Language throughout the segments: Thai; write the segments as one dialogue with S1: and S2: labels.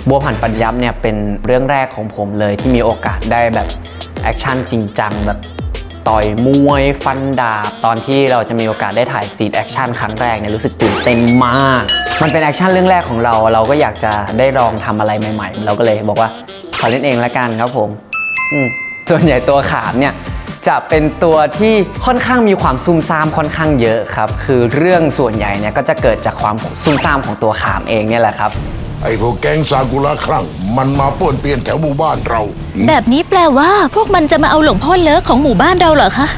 S1: บัวผันฟันยับเนี่ยเป็นเรื่องแรกของผมเลยที่มีโอกาสได้แบบแอคชั่นจริงจังแบบต่อยมวยฟันดาบตอนที่เราจะมีโอกาสได้ถ่ายซีนแอคชั่นครั้งแรกเนี่ยรู้สึกตื่นเต้นมากมันเป็นแอคชั่นเรื่องแรกของเราก็อยากจะได้ลองทำอะไรใหม่ๆเราก็เลยบอกว่าขอเล่นเองละกันครับผมส่วนใหญ่ตัวขามเนี่ยจะเป็นตัวที่ค่อนข้างมีความซุ่มซ่ามค่อนข้างเยอะครับคือเรื่องส่วนใหญ่เนี่ยก็จะเกิดจากความซุ่มซ่ามของตัวขามเองเนี่ยแหละครับ
S2: ไอ้พวกแก๊งซากุระคลั่งมันมาป้วนเปี้ยนแถวหมู่บ้านเรา
S3: แบบนี้แปลว่าพวกมันจะมาเอาหลวงพ่อเลิกของหมู่บ้านเราเหรอคะ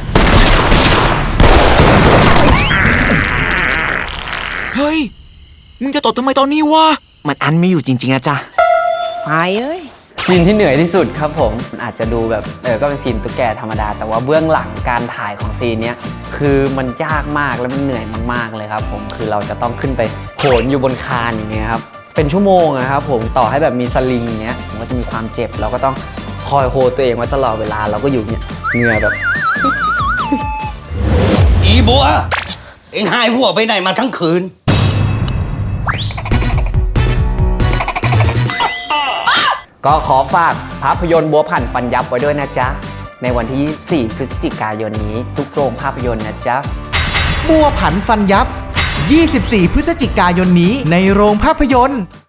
S4: เฮ้ยมึงจะตดทำไมตอนนี้วะมันอันไม่อยู่จริงๆอะจ๊ะไปเอ้ย
S1: ซีนที่เหนื่อยที่สุดครับผมอาจจะดูแบบก็เป็นซีนตุ๊กแกธรรมดาแต่ว่าเบื้องหลังการถ่ายของซีนนี้คือมันยากมากและมันเหนื่อยมากๆเลยครับผมคือเราจะต้องขึ้นไปโหนอยู่บนคานอย่างเงี้ยครับเป็นชั่วโมงนะครับผมต่อให้แบบมีสลิงเนี้ยผมก็จะมีความเจ็บเราก็ต้องคอยโฮตัวเองไว้ตลอดเวลาเราก็อยู่เนี่ยเหนื่อยแบบ
S5: อีบัวเอ็งหายหัวไปไหนมาทั้งคืน
S1: ก็ขอฝากภาพยนตร์บัวผันฟันยับไว้ด้วยนะจ๊ะในวันที่ 24 พฤศจิกายนนี้ทุกโรงภาพยนตร์นะจ๊ะ
S6: บัวผันฟันยับ 24 พฤศจิกายนนี้ในโรงภาพยนตร์